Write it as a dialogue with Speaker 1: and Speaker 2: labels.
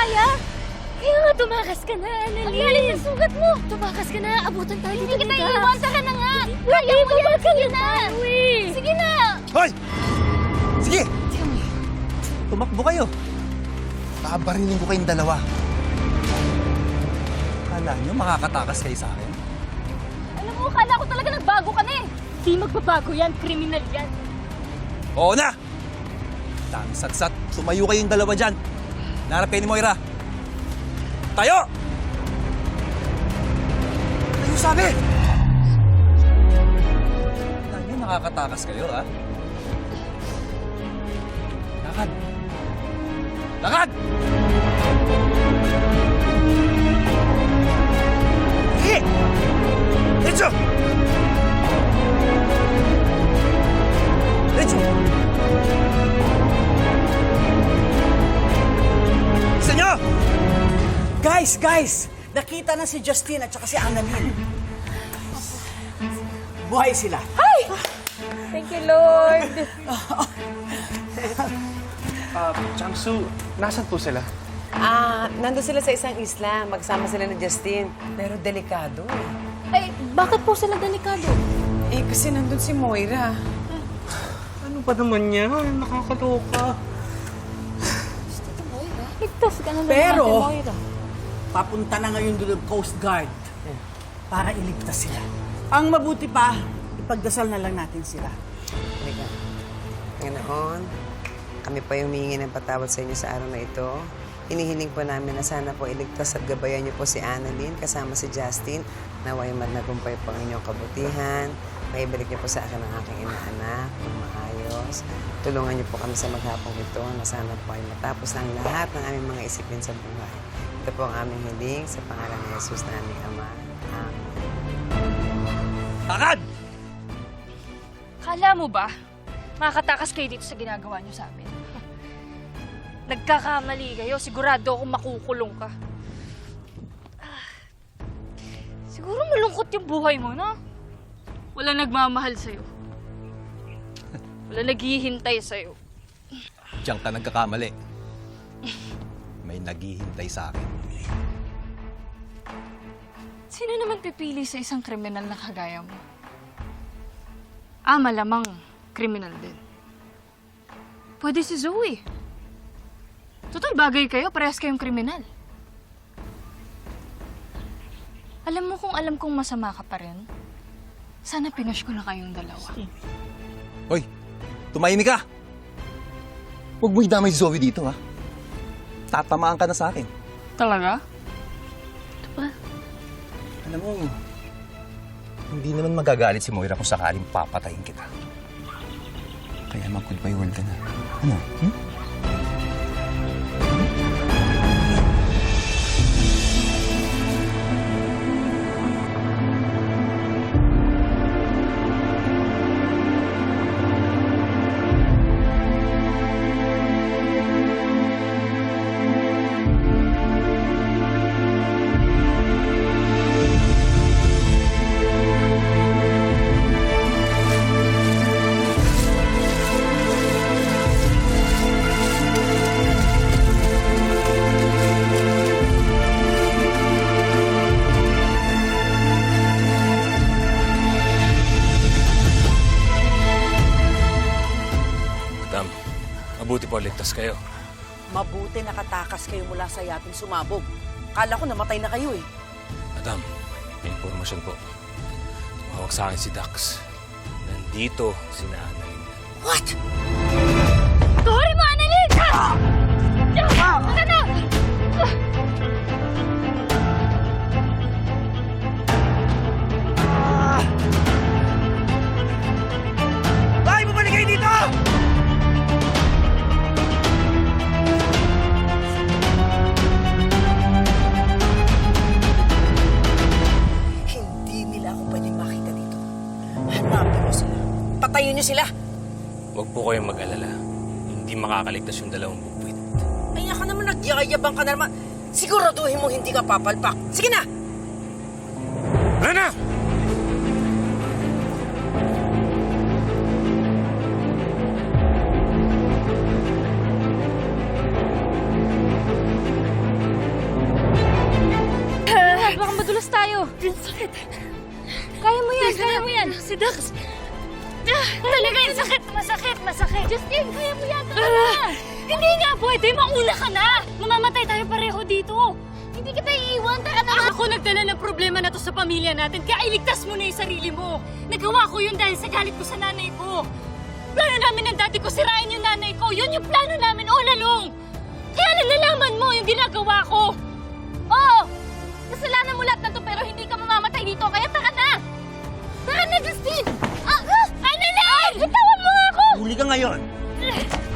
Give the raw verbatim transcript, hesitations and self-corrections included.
Speaker 1: kaya?
Speaker 2: Kaya nga, tumakas ka na, Annalyn.
Speaker 1: Ang lalim ng sugat mo.
Speaker 2: Tumakas ka na, abutan tayo
Speaker 1: Hindi
Speaker 2: dito.
Speaker 1: kita
Speaker 2: Diga.
Speaker 1: iiwan, tara na nga.
Speaker 2: Hindi
Speaker 1: Kaya mo yan,
Speaker 2: babalik
Speaker 1: sige na.
Speaker 2: tayo eh.
Speaker 1: Sige na.
Speaker 3: Hoy! Sige!
Speaker 2: Teka mo.
Speaker 3: Tumakbo kayo. Babarilin ko kayong dalawa. Kala nyo makakatakas kayo sa akin?
Speaker 1: Alam mo, akala ko talaga nagbago ka na eh.
Speaker 2: Di magbabago yan, kriminal yan.
Speaker 3: Oo na! Dami satsat. Tumayo kayong dalawa dyan. Naharap kayo ni Moira. Tayo! Tayo sabi! Kala nyo makakatakas kayo, ha? Lakad! Lakad! Sige! Diretso! Diretso! Isa nyo!
Speaker 4: Guys, guys! Nakita na si Justine at saka si Annalyn. Buhay sila.
Speaker 1: Thank you, Lord.
Speaker 5: Ah, Changsu, nasan po sila?
Speaker 6: Ah, nandun sila sa isang isla. Magsama sila ni Justine. Pero delikado eh.
Speaker 1: Ay, bakit po sila delikado?
Speaker 6: Eh, kasi nandun si Moira.
Speaker 5: Ano ba naman yan? Nakakaloka.
Speaker 1: Ligtas ka na lang
Speaker 4: Pero-
Speaker 1: natin, Moira.
Speaker 4: Papunta na ngayon doon ang Coast Guard para iligtas sila. Ang mabuti pa, ipagdasal na lang natin sila.
Speaker 6: Halika. Ngayong, kami pa yung humingi ng patawad sa inyo sa araw na ito. Hinihiling po namin na sana po iligtas at gabayan niyo po si Annalyn kasama si Justine. Naway magnagumpay po ang inyong kabutihan. Maibalik niyo po sa akin ang aking inaanak ng maayos. Tulungan niyo po kami sa maghapong ito na sana po ay matapos ng lahat ng aming mga isipin sa buhay. Ito po ang aming hiling sa pangalan ni Jesus na aming Ama. Amen.
Speaker 3: Lakad!
Speaker 2: Kala mo ba, makakatakas kayo dito sa ginagawa niyo sa amin? Nagkakamali kayo, sigurado akong makukulong ka. Ah, siguro malungkot yung buhay mo, no? Wala nagmamahal sa'yo. Wala naghihintay sa'yo.
Speaker 3: Diyan ka nagkakamali. May naghihintay sa akin.
Speaker 2: Sino naman pipili sa isang kriminal na kagaya mo? Ah, malamang kriminal din. Pwede si Zoe. Total, bagay kayo. Parehas kayong kriminal. Alam mo kung alam kong masama ka pa rin, sana pinush ko na kayong dalawa.
Speaker 3: Hoy! Tumahimik ka! Huwag mo idamay si Zoe dito, ha? Tatamaan ka na sa akin.
Speaker 2: Talaga?
Speaker 3: Alam mo, hindi naman magagalit si Moira kung sakaling papatayin kita. Kaya mag-goodbye world ka na. Ano? Hmm?
Speaker 7: Madam, mabuti po ligtas kayo.
Speaker 4: Mabuti nakatakas kayo mula sa yating sumabog. Kala ko namatay na kayo eh.
Speaker 7: Madam, may impormasyon po. Tumawag sa akin si Dax. Nandito si Annalyn.
Speaker 4: What?
Speaker 2: Tuloy mo, Annalyn! Ah! Ano na?
Speaker 3: Bakit bumalik kayo dito?
Speaker 4: Hindi nila ako pwedeng makita dito. Hanapin mo sila. Patayin niyo sila.
Speaker 7: Huwag po kayong mag-alala. Hindi makakaligtas yung dalawang bubwit.
Speaker 4: Kaya ka naman nagyayabang ka na naman. Siguraduhin mo hindi ka papalpak. Sige na!
Speaker 7: Rana!
Speaker 1: Kilos tayo. Sakit. Kaya mo yan, kaya mo yan. Si Dax. Talaga yung sakit. Masakit, masakit. Justine, kaya mo yan. Talaga. Hindi nga pwede. Mauna ka na. Mamamatay tayo pareho dito. Hindi kita iiwan. Taka na. Ako nagdala ng problema na to sa pamilya natin. Kaya iligtas mo na yung sarili mo. Nagawa ko yun dahil sa galit ko sa nanay ko. Plano namin ng dati ko, sirain yung nanay ko. Yun yung plano namin all along. Kaya nalalaman mo yung ginagawa ko. Oo! Kasalanan mo lahat na to pero hindi ka mamamatay dito. Kaya taka na! Taka na, Justine! Ah! Ah! Annalyn! Bitawan mo nga ako!
Speaker 3: Huli ka ngayon.